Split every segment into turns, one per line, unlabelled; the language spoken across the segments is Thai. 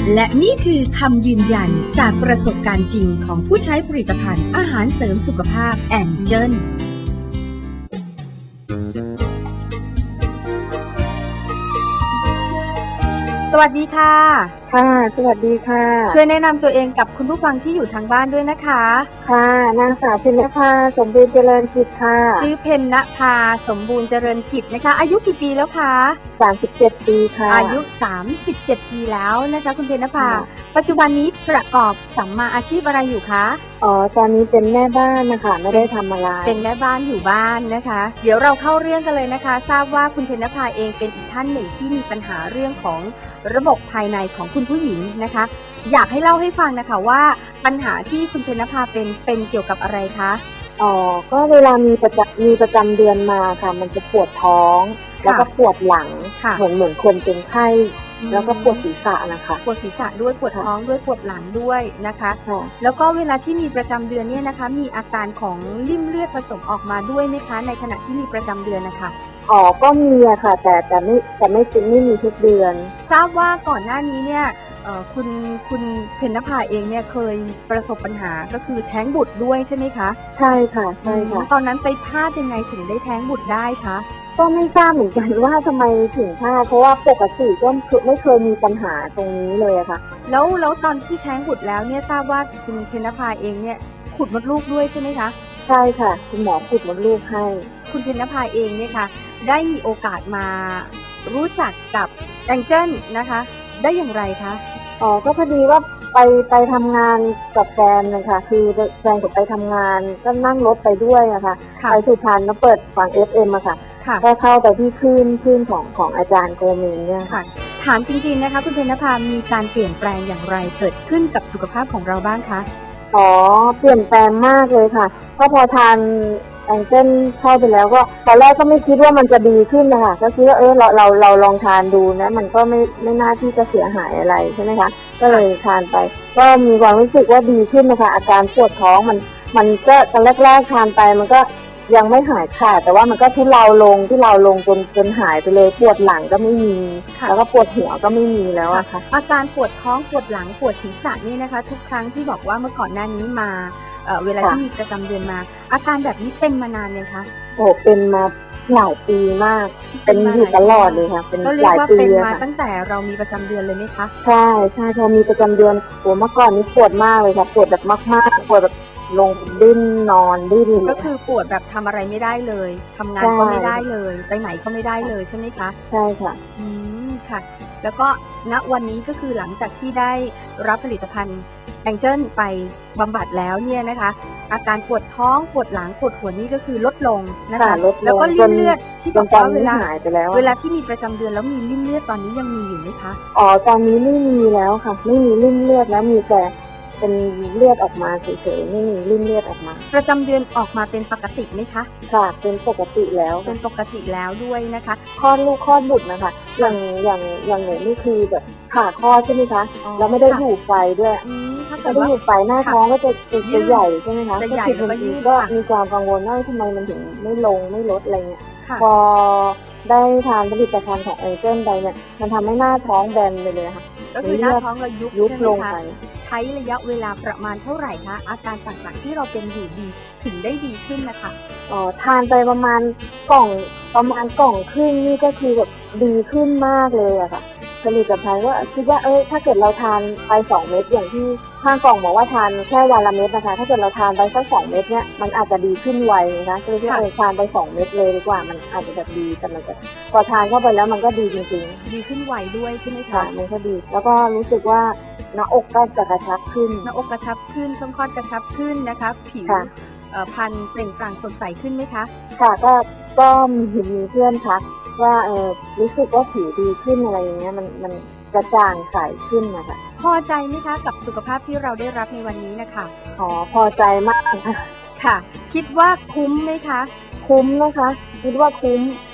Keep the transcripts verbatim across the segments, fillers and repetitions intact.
และนี่คือคำยืนยันจากประสบการณ์จริงของผู้ใช้ผลิตภัณฑ์อาหารเสริมสุขภาพแองเจิล
สวัสดีค่ะ
ค่ะสวัสดีค่ะ
ช่วยแนะนำตัวเองกับคุณผู้ฟังที่อยู่ทางบ้านด้วยนะคะ
ค่ะนางสาวเพ็ญนภาสมบูรณ์เจริญกิจค่ะ
ชื่อเพ็ญนภาสมบูรณ์เจริญกิจนะคะอายุกี่ปีแล้วคะ
สามสิบเจ็ดปีค่ะ
อายุสามสิบเจ็ดปีแล้วนะคะคุณเพ็ญนภาปัจจุบันนี้ประกอบสัมมาอาชีพอะไรอยู่คะ
อ๋อตอนนี้เป็นแม่บ้านนะคะไม่ได้ทำอะไร
เป็นแม่บ้านอยู่บ้านนะคะเดี๋ยวเราเข้าเรื่องกันเลยนะคะทราบว่าคุณเพ็ญนภาเองเป็นอีกท่านหนึ่งที่มีปัญหาเรื่องของระบบภายในของคุณผู้หญิงนะคะอยากให้เล่าให้ฟังนะคะว่าปัญหาที่คุณเพ็ญนภาเป็นเป็นเกี่ยวกับอะไรคะ
อ๋อก็เวลามีประจำมีประจำเดือนมาค่ะมันจะปวดท้องแล้วก็ปวดหลังเหมือนเหมือนคนเป็นไข้แล้วก็ปวดศีรษะนะคะ
ปวดศีรษะด้วยปวดท้องด้วยปวดหลังด้วยนะคะแล้วก็เวลาที่มีประจำเดือนเนี่ยนะคะมีอาการของริ่มเลือดผสมออกมาด้วยไหมคะในขณะที่มีประจำเดือนนะคะ
อ๋อก็มีอะค่ะแต่แต่ไม่แต่ไม่จริงไม่มีทุกเดือน
ทราบว่าก่อนหน้านี้เนี่ยคุณคุณเพ็ญนภาเองเนี่ยเคยประสบปัญหาก็คือแท้งบุตรด้วยใช่ไหมคะ
ใช่ค่ะใช่ค่ะ
ตอนนั้นไปพลาดยังไงถึงได้แท้งบุตรได้คะ
ก็ไม่ทราบเหมือนกันว่าทำไมถึงพลาดเพราะว่าปกติก็ไม่เคยมีปัญหาตรงนี้เลยอะค่ะ
แล้วแล้วตอนที่แท้งบุตรแล้วเนี่ยทราบว่าคุณเพ็ญนภาเองเนี่ยขุดมดลูกด้วยใช่ไหมคะ
ใช่ค่ะคุณหมอขุดมดลูกให้
คุณเพ็ญนภาเองเนี่ยค่ะได้มีโอกาสมารู้จักกับแองเจิลนะคะได้อย่างไรคะ
อ๋อก็พอดีว่าไปไปทำงานกับแฟนนะคะคือแฟนกับไปทำงานก็นั่งรถไปด้วยอะค่ะไปสุพรรณแล้วเปิดฟัง เอฟ เอ็ม อะค่ะก็เข้าไปที่คลื่นคลื่นของของอาจารย์โกเมนเนี่ยค่ะ
ถามจริงๆนะคะคุณเพ็ญนภามีการเปลี่ยนแปลงอย่างไรเกิดขึ้นกับสุขภาพของเราบ้างคะ
อ๋อเปลี่ยนแปลงมากเลยค่ะก็พอทานแองเจิลเข้าไปแล้วก็ตอนแรกก็ไม่คิดว่ามันจะดีขึ้นนะคะก็คิดว่าเออเราเราเราลองทานดูนะมันก็ไม่ไม่น่าที่จะเสียหายอะไรใช่ไหมคะก็เลยทานไปก็มีความรู้สึกว่าดีขึ้นนะคะอาการปวดท้องมันมันก็ตอนแรกๆทานไปมันก็ยังไม่หายขาดแต่ว่ามันก็ทุเลาลงทุเลาลงจนจนหายไปเลยปวดหลังก็ไม่มีแล้วก็ปวดหัวก็ไม่มีแล้วอะค่ะ
อาการปวดท้องปวดหลังปวดศีรษะนี่นะคะทุกครั้งที่บอกว่าเมื่อก่อนหน้านี้มาเอ่อเวลาที่มีประจำเดือนมาอาการแบบนี้เป็นมานานเลยคะ
โอ้เป็นมาหลายปีมากเป็นอยู่ตลอดเลยค่ะเป็นหลายปี
เลยค่ะเป็นมาตั้งแต่เรามีประจำเดือนเลยไหมคะ
ใช่ใช่พอมีประจำเดือนโอ้เมื่อก่อนนี้ปวดมากเลยค่ะปวดแบบมากๆปวดแบบลงดิ้นนอนดิ้น
ก็คือปวดแบบทำอะไรไม่ได้เลยทำงานก็ไม่ได้เลยไปไหนก็ไม่ได้เลยใช่ไหมคะ
ใช่ค่ะ
อืมค่ะแล้วก็ณวันนี้ก็คือหลังจากที่ได้รับผลิตภัณฑ์แองเจิลไปบำบัดแล้วเนี่ยนะคะอาการปวดท้องปวดหลังปวดหัวนี่ก็คือลดลงนะคะแล้วก็ริ่มเลือดที่บอกว่าเวลาเวลาที่มีประจำเดือนแล้วมีริ่มเลือดตอนนี้ยังมีอยู่ไหมคะ
อ๋อตอนนี้ไม่มีแล้วค่ะไม่มีริ่มเลือดแล้วมีแต่เป็นเลือดออกมาเฉยๆไม่มีริ่มเลือดออกมา
ประจำเดือนออกมาเป็นปกติไหมคะ
ค่ะเป็นปกติแล้ว
เป็นปกติแล้วด้วยนะคะ
คลอดลูกคลอดบุตรนะคะอย่างอย่างอย่างหนูนี่คือแบบผ่าคลอดใช่ไหมคะแล้วไม่ได้อยู่ไฟด้วยไม่ได้อยู่ไฟหน้าท้องก็จะจะใหญ่ใช่ไหมคะ
จะใหญ่แล้วก็ยืด
ก็มีความกังวลว่าทำไมมันถึงไม่ลงไม่ลดอะไรเงี้ยพอได้ทานผลิตภัณฑ์ของแองเจิลไปเนี่ยมันทำให้หน้าท้องแบนไปเลยค่ะ
ก็คือหน้าท้องเรายุบ
ยุบลงไป
ใช้ระยะเวลาประมาณเท่าไหร่คะอาการต่างๆที่เราเป็นอยู่ดีถึงได้ดีขึ้นนะคะ
อ๋อทานไปประมาณกล่องประมาณกล่องครึ่งนี่ก็คือแบบดีขึ้นมากเลยอะค่ะผลิตภัณฑ์ว่าคิดว่าเอ้ยถ้าเกิดเราทานไปสองเม็ดอย่างที่ข้างกล่องบอกว่าทานแค่วันละเม็ดนะคะถ้าเกิดเราทานไปสักสองเม็ดเนี่ยมันอาจจะดีขึ้นไวนะคะก็เลยที่เราทานไปสองเม็ดเลยดีกว่ามันอาจจะแบบดีแต่มันจะพอทานเข้าไปแล้วมันก็ดีจริง
ๆดีขึ้นไวด้วยใช่ไหม
คะมันก็ดีแล้วก็รู้สึกว่าหน้าอกก็จะกระชับขึ้น
หน้าอกกระชับขึ้นช่องคลอดกระชับขึ้นนะคะผิวพรรณเปล่งปลั่งสดใสขึ้นไหมคะ
ค่ะก็ก็มีมีเพื่อนทักว่าเออรู้สึกว่าผิวดีขึ้นอะไรอย่างเงี้ยมันมันกระจ่างใสขึ้นนะคะ
พอใจไหมคะกับสุขภาพที่เราได้รับในวันนี้นะคะ
อ๋อพอใจมากค่ะ
ค่ะคิดว่าคุ้มไหมคะ
คุ้มนะคะคิดว่าคุ้ม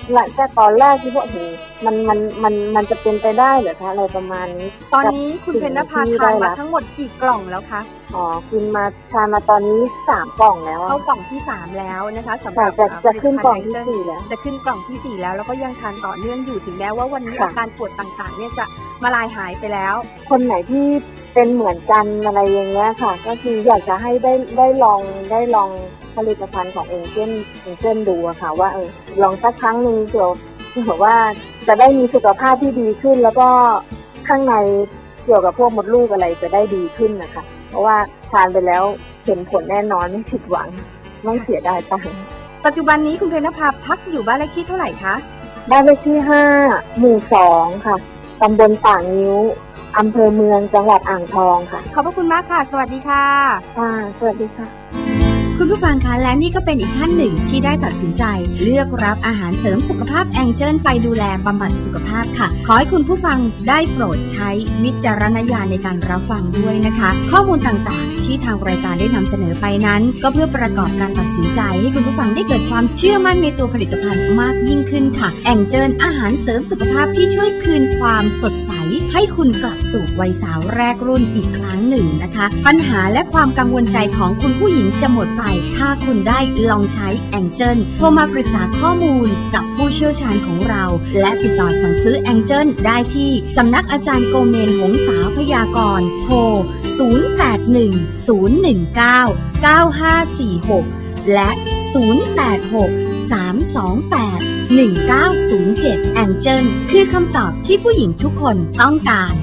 หลังจากตอนแรกที่ว่าโอ้โหมันมันมันมันจะเป็นไปได้เหรอคะอะไรประมาณนี้
ตอนนี้คุณเพ็ญนภาทานมาทั้งหมดกี่กล่องแล้วคะ
อ๋อกินมาทานมาตอนนี้สามกล่องแล้ว
เข้ากล่องที่สามแล้วนะคะสำหรับ
จะจะขึ้นกล่องที่สี่แล้ว
จะขึ้นกล่องที่สี่แล้วแล้วก็ยังทานต่อเนื่องอยู่ถึงแม้ว่าวันนี้อาการปวดต่างๆเนี่ยจะมาลายหายไปแล้ว
คนไหนที่เป็นเหมือนกันอะไรอย่างเงี้ยค่ะก็คืออยากจะให้ได้ได้ลองได้ลองผลิตภัณฑ์ของเองเช่นเองเช่นดูอะค่ะว่าเออลองสักครั้งหนึ่งเผื่อเผื่อว่าจะได้มีสุขภาพที่ดีขึ้นแล้วก็ข้างในเกี่ยวกับพวกมดลูกอะไรจะได้ดีขึ้นนะคะเพราะว่าทานไปแล้วเห็นผลแน่นอนไม่ผิดหวังไม่เสียดายตังค์
ปัจจุบันนี้คุณเพ็ญนภาพักอยู่บ้านเลขที่เท่าไหร่คะ
บ้านเลขที่ห้าหมู่สองค่ะตำบลป่างิ้วอำเภอเมืองจังหวัดอ่างทองค่ะ
ขอบพระคุณมากค่ะสวัสดีค่ะ
ค่ะสวัสดีค่ะ
คุณผู้ฟังคะและนี่ก็เป็นอีกท่านหนึ่งที่ได้ตัดสินใจเลือกรับอาหารเสริมสุขภาพแองเจิลไปดูแลบำบัดสุขภาพค่ะขอให้คุณผู้ฟังได้โปรดใช้วิจารณญาณในการรับฟังด้วยนะคะข้อมูลต่างๆที่ทางรายการได้นำเสนอไปนั้นก็เพื่อประกอบการตัดสินใจให้คุณผู้ฟังได้เกิดความเชื่อมั่นในตัวผลิตภัณฑ์มากยิ่งขึ้นค่ะแองเจิลอาหารเสริมสุขภาพที่ช่วยคืนความสดใสให้คุณกลับสู่วัยสาวแรกรุ่นอีกครั้งหนึ่งนะคะปัญหาและความกังวลใจของคุณผู้หญิงจะหมดไปถ้าคุณได้ลองใช้แองเจิลโทรมาปรึกษาข้อมูลกับผู้เชี่ยวชาญของเราและติดต่อสั่งซื้อแองเจิลได้ที่สำนักอาจารย์โกเมนหงษาพยากรณ์โทรศูนย์ แปด หนึ่ง ศูนย์ หนึ่ง เก้า เก้า ห้า สี่ หกและศูนย์ แปด หก สาม สอง แปด หนึ่ง เก้า ศูนย์ เจ็ดแองเจิลคือคำตอบที่ผู้หญิงทุกคนต้องการ